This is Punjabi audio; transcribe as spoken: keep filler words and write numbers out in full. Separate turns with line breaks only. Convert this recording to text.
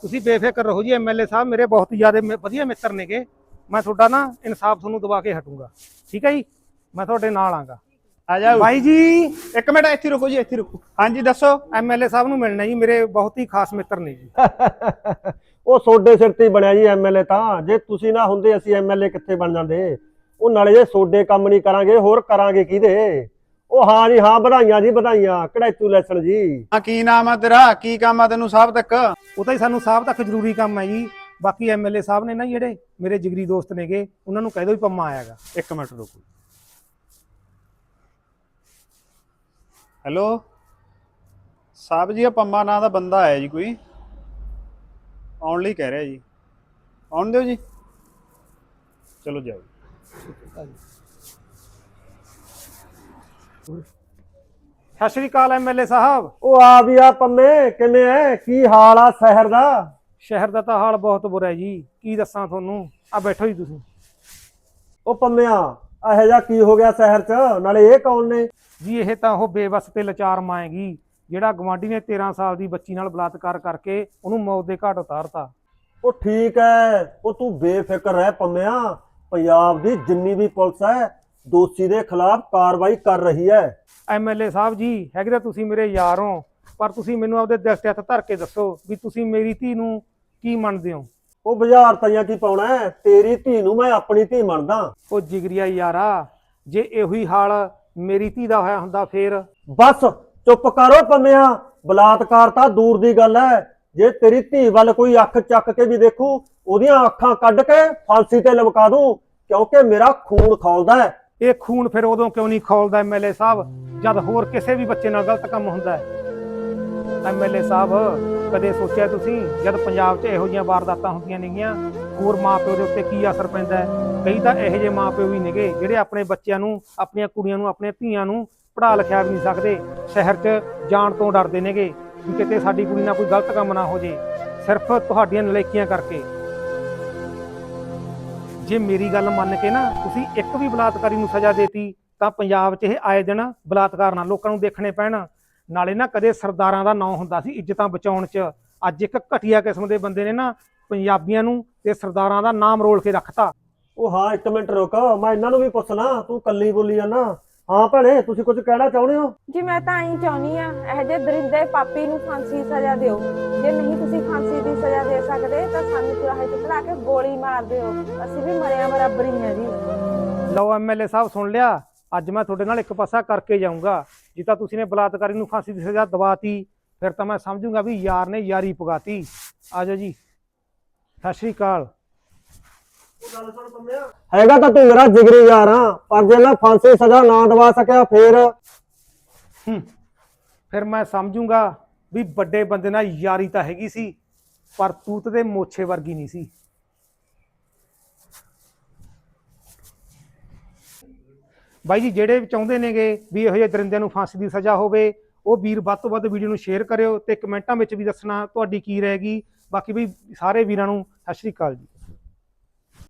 ਤੁਸੀਂ ਬੇਫਿਕਰ ਰਹੋ ਜੀ। ਐਮਐਲਏ ਸਾਹਿਬ ਮੇਰੇ ਬਹੁਤ ਜ਼ਿਆਦਾ ਵਧੀਆ ਮਿੱਤਰ ਨੇਗੇ। ਮੈਂ ਤੁਹਾਡਾ ਨਾ ਇਨਸਾਫ ਤੁਹਾਨੂੰ ਦਵਾ ਕੇ ਹਟੂੰਗਾ, ਠੀਕ ਹੈ ਜੀ। ਮੈਂ ਤੁਹਾਡੇ ਨਾਲ ਆਂਗਾ।
ਆ ਜਾਓ
ਬਾਈ ਜੀ,
ਇੱਕ ਮਿੰਟ ਇੱਥੇ ਰੁਕੋ ਜੀ, ਇੱਥੇ ਰੁਕੋ। ਹਾਂਜੀ ਦੱਸੋ।
ਐਮਐਲਏ ਸਾਹਿਬ ਨੂੰ ਮਿਲਣਾ ਜੀ, ਮੇਰੇ ਬਹੁਤ ਹੀ ਖਾਸ ਮਿੱਤਰ ਨੇ ਜੀ।
ਉਹ ਸੋਡੇ ਸਿਰ ਤੇ ਬਣਿਆ ਜੀ ਐਮਐਲਏ ਤਾਂ। ਜੇ ਤੁਸੀਂ ਨਾ ਹੁੰਦੇ ਅਸੀਂ ਐਮਐਲਏ ਕਿੱਥੇ ਬਣ ਜਾਂਦੇ। ਉਹ ਨਾਲੇ ਜੇ ਸੋਡੇ ਕੰਮ ਨਹੀਂ ਕਰਾਂਗੇ ਹੋਰ ਕਰਾਂਗੇ ਕਿਹਦੇ। ਉਹ ਹਾਂ ਜੀ ਹਾਂ, ਵਧਾਈਆਂ ਜੀ ਵਧਾਈਆਂ, ਕੜੈਚੂਲੇਸ਼ਨ ਜੀ।
ਹਾਂ ਕੀ ਨਾਮ ਆ ਤੇਰਾ, ਕੀ ਕੰਮ ਆ ਤੈਨੂੰ ਸਾਹਿਬ ਤੱਕ?
ਉਹ ਤਾਂ ਹੀ ਸਾਨੂੰ ਸਾਹਿਬ ਤੱਕ ਜ਼ਰੂਰੀ ਕੰਮ ਹੈ ਜੀ। ਬਾਕੀ ਐਮਐਲਏ ਸਾਹਿਬ ਨੇ ਨਾ ਜਿਹੜੇ ਮੇਰੇ ਜਿਗਰੀ ਦੋਸਤ ਨੇਗੇ, ਉਹਨਾਂ ਨੂੰ ਕਹਿ ਦਿਓ ਵੀ ਪੰਮਾ ਆਇਆਗਾ।
ਇੱਕ ਮਿੰਟ ਰੁਕੋ। ਹੈਲੋ ਸਾਹਿਬ ਜੀ, ਆ ਪੰਮਾ ਨਾਂ ਦਾ ਬੰਦਾ ਆਇਆ ਜੀ, ਕੋਈ ਆਉਣ ਲਈ ਕਹਿ ਰਿਹਾ ਜੀ। ਆਉਣ ਦਿਓ ਜੀ, ਚਲੋ ਜਾਓ।
ਸਤਿ ਸ਼੍ਰੀ ਅਕਾਲ ਐਮਐਲਏ ਸਾਹਿਬ।
ਉਹ ਆ ਵੀ ਆ ਪੰਮੇ, ਕਿਵੇਂ ਐ, ਕੀ ਹਾਲ ਆ ਸ਼ਹਿਰ ਦਾ?
ਸ਼ਹਿਰ ਦਾ ਤਾਂ ਹਾਲ ਬਹੁਤ ਬੁਰਾ ਹੈ ਜੀ, ਕੀ ਦੱਸਾਂ ਤੁਹਾਨੂੰ। ਆ ਬੈਠੋ ਜੀ ਤੁਸੀਂ।
ਉਹ ਪੰਮਿਆ, ਇਹੋ ਜਿਹਾ ਕੀ ਹੋ ਗਿਆ ਸ਼ਹਿਰ 'ਚ? ਨਾਲੇ ਇਹ ਕੌਣ ਨੇ
ਜੀ? ਇਹ ਤਾਂ ਉਹ ਬੇਵਸ ਤੇ ਲਾਚਾਰ ਮਾਂ ਹੈਗੀ, ਜਿਹੜਾ ਗਵਾਂਢੀ ਨੇ ਤੇਰਾਂ ਸਾਲ ਦੀ ਬੱਚੀ ਨਾਲ ਬਲਾਤਕਾਰ ਕਰਕੇ ਉਹਨੂੰ ਮੌਤ ਦੇ ਘਾਟ ਉਤਾਰਤਾ।
ਉਹ ਠੀਕ ਐ, ਉਹ ਤੂੰ ਬੇਫਿਕਰ ਰਹਿ ਪੰਮਿਆ। ਪੰਜਾਬ ਦੀ ਜਿੰਨੀ ਵੀ ਪੁਲਿਸ ਹੈ ਦੋਸ਼ੀ ਦੇ ਖਿਲਾਫ ਕਾਰਵਾਈ ਕਰ ਰਹੀ ਹੈ।
ਐਮਐਲਏ ਸਾਹਿਬ ਜੀ, ਹੈਗੇ ਤਾਂ ਤੁਸੀਂ ਮੇਰੇ ਯਾਰ ਹੋ, ਪਰ ਤੁਸੀਂ ਮੈਨੂੰ ਆਪਦੇ ਦਿਲ ਤੇ ਹੱਥ ਧਰ ਕੇ ਦੱਸੋ ਵੀ ਤੁਸੀਂ ਮੇਰੀ ਧੀ ਨੂੰ ਕੀ ਮੰਨਦੇ ਹੋ?
ਉਹ ਬਾਜ਼ਾਰ ਤਾਈਆਂ ਕੀ ਪਾਉਣਾ ਹੈ, ਤੇਰੀ ਧੀ ਨੂੰ ਮੈਂ ਆਪਣੀ ਧੀ ਮੰਨਦਾ।
ਉਹ ਜਿਗਰੀਆ ਯਾਰਾ, ਜੇ ਇਹੋ ਹੀ ਹਾਲ ਮੇਰੀ ਧੀ ਦਾ ਹੋਇਆ ਹੁੰਦਾ ਫੇਰ?
ਬਸ ਚੁੱਪ ਕਰੋ ਪੰਮਿਆ, ਬਲਾਤਕਾਰ ਤਾਂ ਦੂਰ ਦੀ ਗੱਲ ਹੈ। ਜੇ ਤੇਰੀ ਧੀ ਵੱਲ ਕੋਈ ਅੱਖ ਚੱਕ ਕੇ ਵੀ ਦੇਖੂ, ਉਹਦੀਆਂ ਅੱਖਾਂ ਕੱਢ ਕੇ ਫਾਂਸੀ ਤੇ ਲਮਕਾ ਦੂੰ, ਕਿਉਂਕਿ ਮੇਰਾ ਖੂਨ ਖੌਲਦਾ ਹੈ।
ਇਹ ਖੂਨ ਫਿਰ ਉਦੋਂ ਕਿਉਂ ਨਹੀਂ ਖੌਲਦਾ ਐਮਐਲਏ ਸਾਹਿਬ, ਜਦ ਹੋਰ ਕਿਸੇ ਵੀ ਬੱਚੇ ਨਾਲ ਗਲਤ ਕੰਮ ਹੁੰਦਾ ਹੈ? ਐਮਐਲਏ ਸਾਹਿਬ, ਕਦੇ ਸੋਚਿਆ ਤੁਸੀਂ ਜਦ ਪੰਜਾਬ 'ਚ ਇਹੋ ਜਿਹੀਆਂ ਵਾਰਦਾਤਾਂ ਹੁੰਦੀਆਂ ਨੇਗੀਆਂ, ਹੋਰ ਮਾਪਿਓ ਦੇ ਉੱਤੇ ਕੀ ਅਸਰ ਪੈਂਦਾ ਹੈ? ਕਈ ਤਾਂ ਇਹੋ ਜਿਹੇ ਮਾਪਿਓ ਵੀ ਨੇਗੇ ਜਿਹੜੇ ਆਪਣੇ ਬੱਚਿਆਂ ਨੂੰ, ਆਪਣੀਆਂ ਕੁੜੀਆਂ ਨੂੰ, ਆਪਣੀਆਂ ਧੀਆਂ ਨੂੰ ਪੜ੍ਹਾ ਲਿਖਿਆ ਵੀ ਨਹੀਂ ਸਕਦੇ, ਸ਼ਹਿਰ 'ਚ ਜਾਣ ਤੋਂ ਡਰਦੇ ਨੇਗੇ ਵੀ ਕਿਤੇ ਸਾਡੀ ਕੁੜੀ ਨਾਲ ਕੋਈ ਗਲਤ ਕੰਮ ਨਾ ਹੋ ਜੇ, ਸਿਰਫ ਤੁਹਾਡੀਆਂ ਨਲਾਇਕੀਆਂ ਕਰਕੇ। ਜੇ ਮੇਰੀ ਗੱਲ ਮੰਨ ਕੇ ਨਾ ਤੁਸੀਂ ਇੱਕ ਵੀ ਬਲਾਤਕਾਰੀ ਨੂੰ ਸਜ਼ਾ ਦੇਤੀ, ਤਾਂ ਪੰਜਾਬ 'ਚ ਇਹ ਆਏ ਦਿਨ ਬਲਾਤਕਾਰ ਨਾਲ ਲੋਕਾਂ ਨੂੰ ਦੇਖਣੇ ਪੈਣ। ਨਾਲੇ ਨਾ ਕਦੇ ਸਰਦਾਰਾਂ ਦਾ ਨਾਂ ਹੁੰਦਾ ਸੀ ਇੱਜ਼ਤਾਂ ਬਚਾਉਣ 'ਚ, ਅੱਜ ਇੱਕ ਘਟੀਆ ਕਿਸਮ ਦੇ ਬੰਦੇ ਨੇ ਨਾ ਪੰਜਾਬੀਆਂ ਨੂੰ ਤੇ ਸਰਦਾਰਾਂ ਦਾ ਨਾਮ ਰੋਲ ਕੇ ਰੱਖਤਾ।
ਉਹ ਹਾਂ, ਇੱਕ ਮਿੰਟ ਰੁਕ, ਮੈਂ ਇਹਨਾਂ ਨੂੰ ਵੀ ਪੁੱਛਣਾ, ਤੂੰ ਕੱਲੀ ਬੋਲੀ ਆ ਨਾ। ਹਾਂ ਭੈਣੇ, ਤੁਸੀਂ ਕੁਝ ਕਹਿਣਾ ਚਾਹੁੰਦੇ ਹੋ?
ਜੀ ਮੈਂ ਤਾਂ ਐਂ ਚਾਹੁੰਦੀ ਆ, ਇਹੋ ਜਿਹੇ ਦਰਿੰਦੇ ਪਾਪੀ ਨੂੰ ਫਾਂਸੀ ਸਜ਼ਾ ਦਿਓ। ਜੇ ਨਹੀਂ ਤੁਸੀਂ ਫਾਂਸੀ ਦੀ ਸਜ਼ਾ ਦੇ ਸਕਦੇ ਤਾਂ ਸਾਨੂੰ ਚੁਰਾਹੇ 'ਚ ਖੜਾ ਕੇ ਗੋਲੀ ਮਾਰ ਦਿਓ, ਅਸੀਂ ਵੀ ਮਰਿਆ ਬਰਾਬਰ ਹੀ ਆ ਜੀ।
ਲਓ ਐਮਐਲਏ ਸਾਹਿਬ, ਸੁਣ ਲਿਆ। ਅੱਜ ਮੈਂ ਤੁਹਾਡੇ ਨਾਲ ਇੱਕ ਪਾਸਾ ਕਰਕੇ ਜਾਊਂਗਾ। ਜੇ ਤਾਂ ਤੁਸੀਂ ਨੇ ਬਲਾਤਕਾਰੀ ਨੂੰ ਫਾਂਸੀ ਦੀ ਸਜ਼ਾ ਦਵਾਤੀ, ਫਿਰ ਤਾਂ ਮੈਂ ਸਮਝੂੰਗਾ ਵੀ ਯਾਰ ਨੇ ਯਾਰੀ ਪਗਾਤੀ। ਆ ਜਾਓ ਜੀ, ਸਤਿ ਸ਼੍ਰੀ ਅਕਾਲ।
ਹੈਗਾ ਤਾਂ ਤੂੰ ਮੇਰਾ ਜਿਗਰੀ ਯਾਰ ਆ, ਪਰ ਜੇ ਮੈਂ ਫਾਂਸੀ ਸਜ਼ਾ ਨਾ ਦਵਾ ਸਕਿਆ ਫੇਰ
ਫਿਰ ਮੈਂ ਸਮਝੂੰਗਾ ਵੀ ਵੱਡੇ ਬੰਦੇ ਨਾਲ ਯਾਰੀ ਤਾਂ ਹੈਗੀ ਸੀ, ਪਰ ਤੂਤ ਦੇ ਮੋਛੇ ਵਰਗੀ ਨਹੀਂ ਸੀ। ਬਾਈ ਜੀ, ਜਿਹੜੇ ਚਾਹੁੰਦੇ ਨੇਗੇ ਵੀ ਇਹੋ ਜਿਹੇ ਦਰਿੰਦਿਆਂ ਨੂੰ ਫਾਂਸੀ ਦੀ ਸਜ਼ਾ ਹੋਵੇ, ਉਹ ਵੀਰ ਵੱਧ ਤੋਂ ਵੱਧ ਵੀਡੀਓ ਨੂੰ ਸ਼ੇਅਰ ਕਰਿਓ ਤੇ ਕਮੈਂਟਾਂ ਵਿੱਚ ਵੀ ਦੱਸਣਾ ਤੁਹਾਡੀ ਕੀ ਰਹੇਗੀ। ਬਾਕੀ ਵੀ ਸਾਰੇ ਵੀਰਾਂ ਨੂੰ ਸਤਿ ਸ਼੍ਰੀ ਅਕਾਲ ਜੀ।